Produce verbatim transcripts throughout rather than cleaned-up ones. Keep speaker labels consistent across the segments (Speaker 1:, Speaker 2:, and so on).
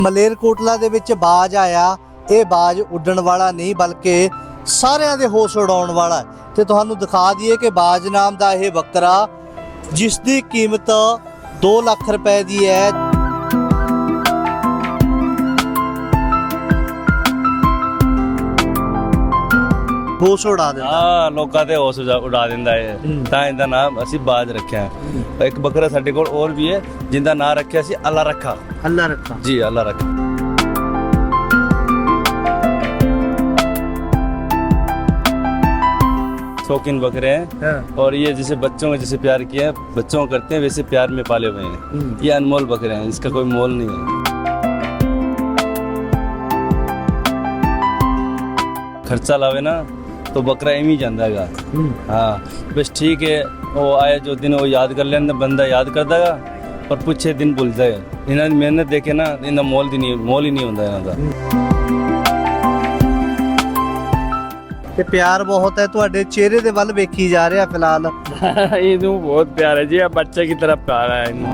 Speaker 1: ਮਲੇਰਕੋਟਲਾ ਦੇ ਵਿੱਚ ਬਾਜ ਆਇਆ। ਇਹ ਬਾਜ ਉੱਡਣ ਵਾਲਾ ਨਹੀਂ ਬਲਕਿ ਸਾਰਿਆਂ ਦੇ ਹੋਸ਼ ਉਡਾਉਣ ਵਾਲਾ ਹੈ। ਤੇ ਤੁਹਾਨੂੰ ਦਿਖਾ ਦਈਏ ਕਿ ਬਾਜ ਨਾਮ ਦਾ ਇਹ ਬੱਕਰਾ ਜਿਸ ਦੀ ਕੀਮਤ दो ਲੱਖ ਰੁਪਏ ਦੀ ਹੈ। ਹੋਸ਼ ਉਡਾ ਦਿੰਦਾ
Speaker 2: ਹਾਂ, ਲੋਕਾਂ ਦੇ ਹੋਸ਼ ਉਡਾ ਦਿੰਦਾ ਹੈ। ਤਾਂ ਇਹਦਾ ਨਾਮ ਅਸੀਂ ਬਾਜ ਰੱਖਿਆ। ਇੱਕ ਬੱਕਰਾ ਸਾਡੇ ਕੋਲ ਹੋਰ ਵੀ ਹੈ ਜਿੰਦਾ ਨਾਮ ਰੱਖਿਆ ਸੀ ਅੱਲਾ ਰੱਖਾ।
Speaker 1: ਅੱਲਾ ਰੱਖਾ
Speaker 2: जी, अल्लाह रखा। शौकीन बकरे हैं और ये जैसे बच्चों में जैसे प्यार किया है, बच्चों को करते हैं वैसे प्यार में पाले हुए हैं। ये अनमोल बकरे हैं, इसका कोई मोल नहीं है। खर्चा लावे ना तो बकरा एम ही जाता है। हाँ, बस ठीक है, वो आए जो दिन वो याद कर लेना, बंदा याद कर देगा पर पूछे दिन भूल जाए। इन्होंने मेहनत देखे ना, इन्हें मोल दी नहीं मोल ही नहीं होता इन्हों का।
Speaker 1: ਤੇ ਪਿਆਰ ਬਹੁਤ ਹੈ ਤੁਹਾਡੇ ਚਿਹਰੇ ਦੇ ਵੱਲ ਵੇਖੀ ਜਾ ਰਿਹਾ ਫਿਲਹਾਲ।
Speaker 3: ਇਹਨੂੰ ਬਹੁਤ ਪਿਆਰ ਹੈ ਜੀ, ਆ ਬੱਚੇ की तरह प्यार है ਇਹਨੂੰ।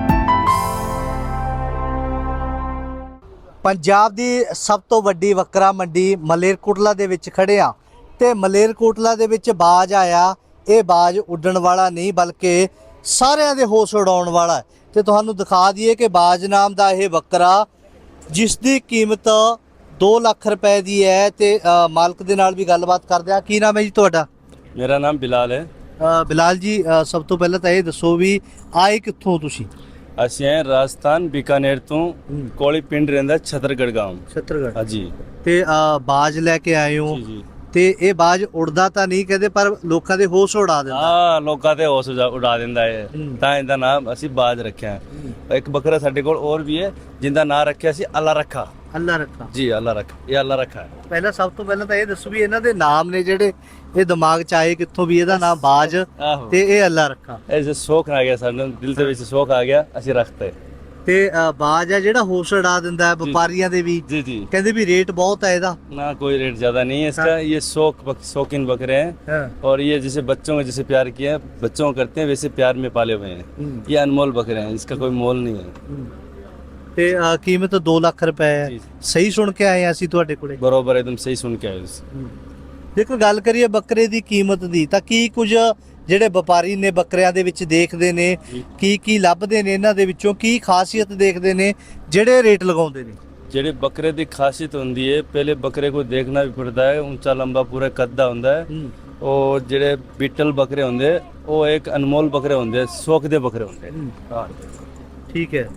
Speaker 1: ਪੰਜਾਬ ਦੀ ਸਭ ਤੋਂ ਵੱਡੀ ਬੱਕਰਾ ਮੰਡੀ ਮਲੇਰਕੋਟਲਾ ਦੇ ਵਿੱਚ ਖੜੇ ਆ ਤੇ ਮਲੇਰਕੋਟਲਾ ਦੇ ਵਿੱਚ ਬਾਜ ਆਇਆ। ਇਹ ਬਾਜ ਉੱਡਣ ਵਾਲਾ ਨਹੀਂ ਬਲਕਿ ਸਾਰਿਆਂ ਦੇ ਹੋਸ਼ ਉਡਾਉਣ ਵਾਲਾ ਹੈ। ਤੇ ਤੁਹਾਨੂੰ ਦਿਖਾ ਦਈਏ ਕਿ ਬਾਜ ਨਾਮ ਦਾ ਇਹ ਬੱਕਰਾ ਜਿਸ ਦੀ ਕੀਮਤ दो ਲੱਖ ਰੁਪਏ ਦੀ ਹੈ। ਤੇ ਮਾਲਕ ਦੇ ਨਾਲ ਵੀ ਗੱਲਬਾਤ ਕਰਦੇ ਆ। ਕੀ ਨਾਮ ਹੈ ਜੀ ਤੁਹਾਡਾ?
Speaker 2: मेरा नाम बिलाल है।
Speaker 1: ਬਿਲਾਲ ਜੀ, ਸਭ ਤੋਂ ਪਹਿਲਾਂ ਤਾਂ ਇਹ ਦੱਸੋ ਵੀ ਆਏ ਕਿੱਥੋਂ ਤੁਸੀਂ?
Speaker 2: ਅਸੀਂ ਆਏ ਰਾਜਸਥਾਨ ਬੀਕਾਨੇਰ ਤੋਂ। ਕੋਲੀ ਪਿੰਡ ਰਹਿੰਦਾ ਛਤਰਗੜ ਗਾਂਵ।
Speaker 1: ਛਤਰਗੜ।
Speaker 2: ਹਾਂਜੀ।
Speaker 1: ਤੇ ਬਾਜ ਲੈ ਕੇ ਆਏ ਹੋ
Speaker 2: ਜੀ ਜੀ।
Speaker 1: ਤੇ ਇਹ ਬਾਜ ਉੜਦਾ ਤਾਂ ਨਹੀਂ ਕਹਿੰਦੇ ਪਰ ਲੋਕਾਂ ਦੇ ਹੋਸ਼ ਉਡਾ ਦਿੰਦਾ।
Speaker 2: ਹਾਂ, ਲੋਕਾਂ ਦੇ ਹੋਸ਼ ਉਡਾ ਦਿੰਦਾ ਹੈ। ਤਾਂ ਇਹਦਾ ਨਾਮ ਅਸੀਂ ਬਾਜ ਰੱਖਿਆ। ਇੱਕ ਬੱਕਰਾ ਸਾਡੇ ਕੋਲ ਹੋਰ ਵੀ ਹੈ ਜਿੰਦਾ ਨਾਮ ਰੱਖਿਆ ਸੀ ਅੱਲਾ ਰੱਖਾ।
Speaker 1: ਅੱਲਾ ਰੱਖਾ
Speaker 2: ਜੀ, ਅੱਲਾ ਰੱਖਾ। ਇਹ ਅੱਲਾ ਰੱਖਾ ਹੈ।
Speaker 1: ਪਹਿਲਾਂ ਸਭ ਤੋਂ ਪਹਿਲਾਂ ਤਾਂ ਇਹ ਦੱਸੋ ਵੀ ਇਹਨਾਂ ਦੇ ਨਾਮ ਨੇ ਜਿਹੜੇ ਇਹ ਦਿਮਾਗ 'ਚ ਆਏ ਕਿੱਥੋਂ ਵੀ ਇਹਦਾ ਨਾਮ ਬਾਜ ਤੇ ਇਹ ਅੱਲਾ ਰੱਖਾ।
Speaker 2: ਐਸੇ ਸ਼ੌਕ ਆ ਗਿਆ ਸਾਨੂੰ, ਦਿਲ ਦੇ ਵਿੱਚ ਸ਼ੌਕ ਆ ਗਿਆ, ਅਸੀਂ ਰੱਖਤੇ।
Speaker 1: ਤੇ ਬਾਜ ਹੈ ਜਿਹੜਾ ਹੋਸ਼ ਉਡਾ ਦਿੰਦਾ ਹੈ ਵਪਾਰੀਆਂ ਦੇ ਵੀ।
Speaker 2: जी जी।
Speaker 1: ਕਹਿੰਦੇ ਵੀ ਰੇਟ ਬਹੁਤ ਹੈ ਇਹਦਾ।
Speaker 2: ना कोई रेट ज्यादा नहीं है इसका। ये शौक बक, शौकीन बकरे हैं और ये जैसे बच्चों में जैसे प्यार किया है, बच्चों को करते हैं वैसे प्यार में पाले हुए हैं। ये अनमोल बकरे हैं, इसका कोई मोल नहीं है।
Speaker 1: ਤੇ ਕੀਮਤ दो ਲੱਖ ਰੁਪਏ ਹੈ। ਸਹੀ ਸੁਣ ਕੇ ਆਏ ਅਸੀਂ ਤੁਹਾਡੇ ਕੋਲੇ?
Speaker 2: बरोबर, एकदम सही सुन के आए।
Speaker 1: ਦੇਖੋ ਗੱਲ ਕਰੀਏ ਬੱਕਰੇ ਦੀ ਕੀਮਤ ਦੀ ਤਾਂ ਕੀ ਕੁਝ ਜਿਹੜੇ ਵਪਾਰੀ ਨੇ ਬੱਕਰਿਆਂ ਦੇ ਵਿੱਚ ਦੇਖਦੇ ਨੇ, ਕੀ ਕੀ ਲੱਭਦੇ ਨੇ ਇਹਨਾਂ ਦੇ ਵਿੱਚੋਂ, ਕੀ ਖਾਸੀਅਤ ਦੇਖਦੇ ਨੇ ਜਿਹੜੇ ਰੇਟ ਲਗਾਉਂਦੇ ਨੇ?
Speaker 2: ਜਿਹੜੇ ਬੱਕਰੇ ਦੀ ਖਾਸੀਅਤ ਹੁੰਦੀ ਹੈ, ਪਹਿਲੇ ਬੱਕਰੇ को देखना भी पड़ता है। ऊंचा लंबा पूरा कद्दा ਹੁੰਦਾ ਹੈ। ਉਹ ਜਿਹੜੇ ਬੀਟਲ ਬੱਕਰੇ ਹੁੰਦੇ ਉਹ ਇੱਕ ਅਨਮੋਲ ਬੱਕਰੇ ਹੁੰਦੇ, ਸ਼ੌਕ ਦੇ ਬੱਕਰੇ ਹੁੰਦੇ। ਹਾਂ,
Speaker 1: ਠੀਕ ਹੈ।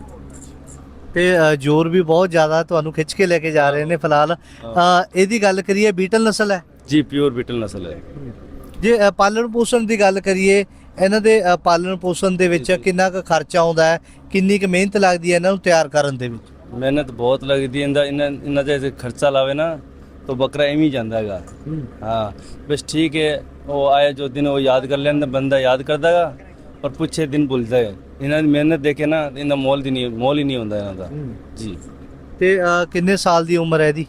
Speaker 1: ਤੇ ਜ਼ੋਰ ਵੀ ਬਹੁਤ ਜ਼ਿਆਦਾ ਤੁਹਾਨੂੰ ਖਿੱਚ ਕੇ ਲੈ ਕੇ ਜਾ ਰਹੇ ਨੇ ਫਿਲਹਾਲ। ਇਹਦੀ ਗੱਲ ਕਰੀਏ ਬੀਟਲ ਨਸਲ ਹੈ
Speaker 2: ਜੀ, ਪਿਓਰ ਬੀਟਲ ਨਸਲ ਹੈ।
Speaker 1: ਜੇ ਪਾਲਣ ਪੋਸ਼ਣ ਦੀ ਗੱਲ ਕਰੀਏ ਇਹਨਾਂ ਦੇ ਪਾਲਣ ਪੋਸ਼ਣ ਦੇ ਵਿੱਚ ਕਿੰਨਾ ਕੁ ਖਰਚਾ ਆਉਂਦਾ ਹੈ, ਕਿੰਨੀ ਕੁ ਮਿਹਨਤ ਲੱਗਦੀ ਹੈ ਇਹਨਾਂ ਨੂੰ ਤਿਆਰ ਕਰਨ ਦੇ ਵਿੱਚ?
Speaker 2: ਮਿਹਨਤ ਬਹੁਤ ਲੱਗਦੀ ਹੈ। ਇਹਦਾ ਇਹਨਾਂ ਇਹਨਾਂ ਦੇ ਖਰਚਾ ਲਾਵੇ ਨਾ तो बकरा एम ही जाता है। हाँ, बस ठीक है, वो आए जो दिन वो याद कर लेना, बंदा याद कर देगा पर पूछे दिन भूल जाए। इन्हें मेहनत देखे ना, इन्हें मोल दी नहीं मोल ही नहीं होता इन्हों का। जी।
Speaker 1: ਤੇ ਕਿੰਨੇ ਸਾਲ ਦੀ ਉਮਰ ਹੈ ਇਹਦੀ?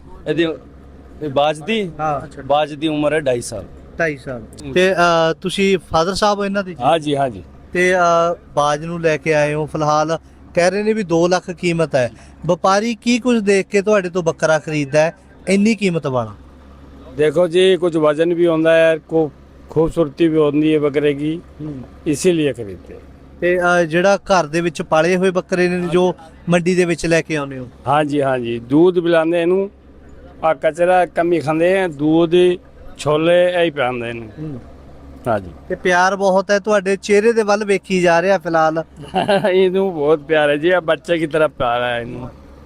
Speaker 2: ਇਹਦੀ ਬਾਜ ਦੀ ਹਾਂ ਬਾਜ ਦੀ ਉਮਰ ਹੈ ढाई साल।
Speaker 1: ਢਾਈ ਸਾਲ। ਤੇ ਤੁਸੀਂ ਫਾਦਰ ਸਾਹਿਬ ਹੋ ਇਹਨਾਂ ਦੇ?
Speaker 3: हाँ जी, हाँ जी।
Speaker 1: ਤੇ ਬਾਜ ਨੂੰ ਲੈ ਕੇ ਆਏ ਹੋ ਫਿਲਹਾਲ, ਕਹਿ ਰਹੇ ਨੇ ਵੀ दो ਲੱਖ ਕੀਮਤ ਹੈ। ਵਪਾਰੀ ਕੀ ਕੁਝ ਦੇਖ ਕੇ ਤੁਹਾਡੇ ਤੋਂ ਬੱਕਰਾ ਖਰੀਦਦਾ ਹੈ ਇੰਨੀ ਕੀਮਤ ਵਾਲਾ?
Speaker 3: देखो जी, कुछ वजन भी होता है, को खूबसूरती भी होती है बकरे की, इसीलिए खरीदते हैं।
Speaker 1: ਤੇ ਜਿਹੜਾ ਘਰ ਦੇ ਵਿੱਚ ਪਾਲੇ ਹੋਏ ਬੱਕਰੇ ਨੇ ਜੋ ਮੰਡੀ ਦੇ ਵਿੱਚ ਲੈ ਕੇ ਆਉਂਦੇ ਹੋ?
Speaker 3: हाँ जी, हाँ जी। दूध पिलाते इनू, आ कचरा कमी खाते हैं, दूध छोले यही पिलाते हैं। हाँ जी।
Speaker 1: ਤੇ ਪਿਆਰ ਬਹੁਤ ਹੈ ਤੁਹਾਡੇ ਚਿਹਰੇ ਦੇ ਵੱਲ ਵੇਖੀ ਜਾ ਰਿਹਾ ਫਿਲਹਾਲ।
Speaker 3: ਇਹਨੂੰ बहुत प्यार है जी, आ बच्चे की तरह प्यार है इनू।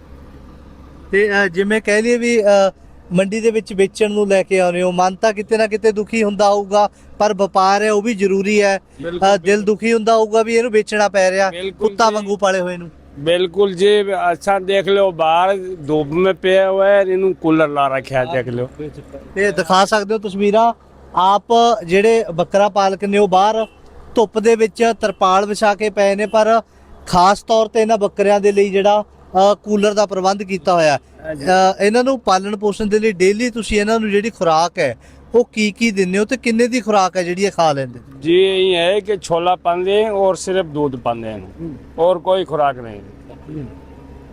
Speaker 1: ਤੇ ਜਿਵੇਂ ਕਹਿ ਲਈਏ ਵੀ ਮੰਡੀ ਦੇ ਵਿੱਚ ਵੇਚਣ ਨੂੰ ਲੈ ਕੇ ਆਉਂਦੇ ਹੋ, ਮਨ ਤਾਂ ਕਿਤੇ ਨਾ ਕਿਤੇ ਦੁਖੀ ਹੁੰਦਾ ਹੋਊਗਾ ਪਰ ਵਪਾਰ ਹੈ ਉਹ ਵੀ ਜ਼ਰੂਰੀ ਹੈ। ਦਿਲ ਦੁਖੀ ਹੁੰਦਾ ਹੋਊਗਾ ਵੀ ਇਹਨੂੰ ਵੇਚਣਾ ਪੈ ਰਿਹਾ ਕੁੱਤਾ ਵਾਂਗੂ ਪਾਲੇ ਹੋਏ ਨੂੰ।
Speaker 3: बिल्कुल जी। अच्छा देख लो, बाहर धूप में पे हुआ है, इनू कूलर ला रखा है, देख लो।
Speaker 1: ਤੇ ਦਿਖਾ ਸਕਦੇ ਹੋ ਤਸਵੀਰਾਂ ਆਪ ਜਿਹੜੇ ਬੱਕਰਾ ਪਾਲਕ ਨੇ ਉਹ ਬਾਹਰ ਧੁੱਪ ਦੇ ਵਿੱਚ ਤਰਪਾਲ ਵਿਛਾ ਕੇ ਪਏ ਨੇ ਪਰ ਖਾਸ ਤੌਰ ਤੇ ਇਹਨਾਂ ਬੱਕਰਿਆਂ ਦੇ ਲਈ ਜਿਹੜਾ ਕੂਲਰ ਦਾ ਪ੍ਰਬੰਧ ਕੀਤਾ ਹੋਇਆ। ਇਹਨਾਂ ਨੂੰ ਪਾਲਣ ਪੋਸ਼ਣ ਦੇ ਲਈ ਡੇਲੀ ਤੁਸੀਂ ਇਹਨਾਂ ਨੂੰ ਜਿਹੜੀ ਖੁਰਾਕ ਹੈ ਉਹ ਕੀ ਕੀ ਦਿੰਦੇ ਹੋ ਤੇ ਕਿੰਨੇ ਦੀ ਖੁਰਾਕ ਹੈ ਜਿਹੜੀ ਇਹ ਖਾ ਲੈਂਦੇ?
Speaker 3: जी, ये है कि छोला पाते हैं और सिर्फ दूध पाते हैं और कोई खुराक नहीं।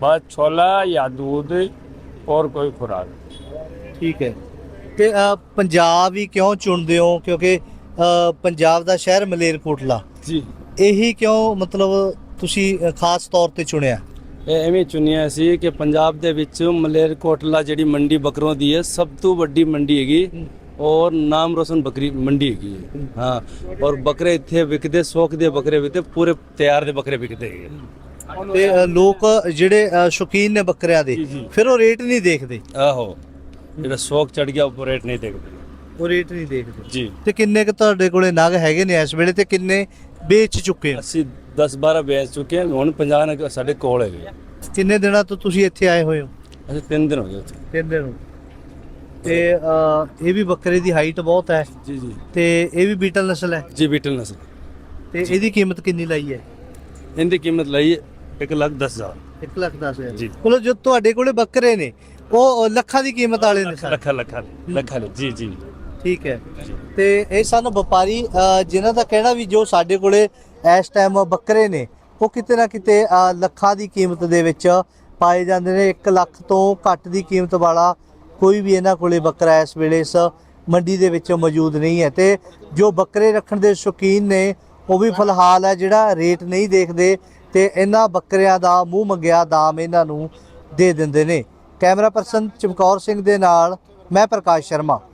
Speaker 3: बस छोला या दूध और कोई खुराक।
Speaker 1: ਠੀਕ ਹੈ ਤੇ ਅ, ਪੰਜਾਬ ਹੀ ਕਿਉਂ ਚੁਣਦੇ ਹੋ ਕਿਉਂਕਿ ਅ, ਪੰਜਾਬ ਦਾ ਸ਼ਹਿਰ ਮਲੇਰਕੋਟਲਾ
Speaker 3: जी
Speaker 1: ਇਹੀ ਕਿਉਂ ਮਤਲਬ ਤੁਸੀਂ ਅ, ਖਾਸ ਤੌਰ ਤੇ ਚੁਣਿਆ
Speaker 2: ਇਹ ਐਵੇਂ ਚੁਣਿਆ ਸੀ ਕਿ ਪੰਜਾਬ ਦੇ ਵਿੱਚ ਮਲੇਰਕੋਟਲਾ ਜਿਹੜੀ ਮੰਡੀ ਬੱਕਰੋਂ ਦੀ ਹੈ ਸਭ ਤੋਂ ਵੱਡੀ ਮੰਡੀ ਹੈਗੀ ਔਰ ਨਾਮ ਰੋਸ਼ਨ ਬੱਕਰੀ ਮੰਡੀ ਹੈਗੀ ਹੈ। ਹਾਂ ਔਰ ਬੱਕਰੇ ਇੱਥੇ ਵਿਕਦੇ ਸੌਕ ਦੇ ਬੱਕਰੇ ਵਿਕਦੇ ਪੂਰੇ ਤਿਆਰ ਦੇ ਬੱਕਰੇ ਵਿਕਦੇ ਹੈਗੇ।
Speaker 1: ਤੇ ਅ, ਲੋਕ ਜਿਹੜੇ ਅ, ਸ਼ੌਕੀਨ ਨੇ ਬੱਕਰਿਆਂ ਦੇ
Speaker 3: ਜੀ, ਜੀ।
Speaker 1: ਫਿਰ ਉਹ ਰੇਟ ਨਹੀਂ ਦੇਖਦੇ
Speaker 2: ਆਹੋ ਜਿਹੜਾ ਸ਼ੌਕ ਚੜ ਗਿਆ ਉਹ ਰੇਟ ਨਹੀਂ ਦੇਖਦੇ
Speaker 1: ਉਹ ਰੇਟ ਨਹੀਂ ਦੇਖਦੇ
Speaker 2: ਜੀ।
Speaker 1: ਤੇ ਕਿੰਨੇ ਕੁ ਤੁਹਾਡੇ ਕੋਲੇ ਨਗ ਹੈਗੇ ਨੇ ਇਸ ਵੇਲੇ ਤੇ ਕਿੰਨੇ ਵੇਚ ਚੁੱਕੇ ਹੋ
Speaker 2: ਅਸੀਂ ਦਸ ਬਾਰਾਂ ਵੇਚ ਚੁੱਕੇ ਹਾਂ ਹੁਣ ਪੰਜਾਹ ਨਗ ਸਾਡੇ ਕੋਲ ਹੈਗੇ।
Speaker 1: ਕਿੰਨੇ ਦਿਨਾਂ ਤੋਂ ਤੁਸੀਂ ਇੱਥੇ ਆਏ ਹੋਏ ਹੋ
Speaker 2: ਅਸੀਂ ਤਿੰਨ ਦਿਨ ਹੋ ਗਏ ਉੱਥੇ।
Speaker 1: ਤਿੰਨ ਦਿਨ ਹੋ। ਤੇ ਅ, ਇਹ ਵੀ ਬੱਕਰੇ ਦੀ ਹਾਈਟ ਬਹੁਤ ਹੈ
Speaker 2: ਜੀ ਜੀ
Speaker 1: ਤੇ ਇਹ ਵੀ ਬੀਟਲ ਨਸਲ ਹੈ
Speaker 2: ਜੀ ਬੀਟਲ ਨਸਲ।
Speaker 1: ਤੇ ਇਹਦੀ ਕੀਮਤ ਕਿੰਨੀ ਲਾਈ ਹੈ
Speaker 2: ਇਹਦੀ ਕੀਮਤ ਲਈ ਇੱਕ ਲੱਖ ਦਸ ਹਜ਼ਾਰ।
Speaker 1: ਇੱਕ ਲੱਖ ਦਸ ਹਜ਼ਾਰ
Speaker 2: ਜੀ।
Speaker 1: ਕੋਲ ਜੋ ਤੁਹਾਡੇ ਕੋਲੇ ਬੱਕਰੇ ਨੇ ਉਹ ਲੱਖਾਂ ਦੀ ਕੀਮਤ ਵਾਲੇ ਨੇ ਸਾਰੇ।
Speaker 2: ਲੱਖਾਂ ਲੱਖਾਂ ਲੱਖਾਂ ਜੀ ਜੀ
Speaker 1: ਠੀਕ ਹੈ ਤੇ ਇਹ ਸਨ ਵਪਾਰੀ ਅ, ਜਿਨ੍ਹਾਂ ਦਾ ਕਹਿਣਾ ਵੀ ਜੋ ਸਾਡੇ ਕੋਲੇ ਇਸ ਟਾਈਮ ਬੱਕਰੇ ਨੇ ਉਹ ਕਿਤੇ ਨਾ ਕਿਤੇ ਅ, ਲੱਖਾਂ ਦੀ ਕੀਮਤ ਦੇ ਵਿੱਚ ਪਾਏ ਜਾਂਦੇ ਨੇ। ਇੱਕ ਲੱਖ ਤੋਂ ਘੱਟ ਦੀ ਕੀਮਤ ਵਾਲਾ ਕੋਈ ਵੀ ਇਹਨਾਂ ਕੋਲੇ ਬੱਕਰਾ ਇਸ ਵੇਲੇ ਇਸ ਮੰਡੀ ਦੇ ਵਿੱਚ ਮੌਜੂਦ ਨਹੀਂ ਹੈ। ਤੇ ਜੋ ਬੱਕਰੇ ਰੱਖਣ ਦੇ ਸ਼ੌਕੀਨ ਨੇ ਉਹ ਵੀ ਫਿਲਹਾਲ ਹੈ ਜਿਹੜਾ ਰੇਟ ਨਹੀਂ ਦੇਖਦੇ ਤੇ ਇਹਨਾਂ ਬੱਕਰਿਆਂ ਦਾ ਮੂੰਹ ਮੰਗਿਆ ਦਾਮ ਇਹਨਾਂ ਨੂੰ ਦੇ ਦਿੰਦੇ ਨੇ। ਕੈਮਰਾ ਪਰਸਨ ਚਮਕੌਰ ਸਿੰਘ ਦੇ ਨਾਲ ਮੈਂ ਪ੍ਰਕਾਸ਼ ਸ਼ਰਮਾ।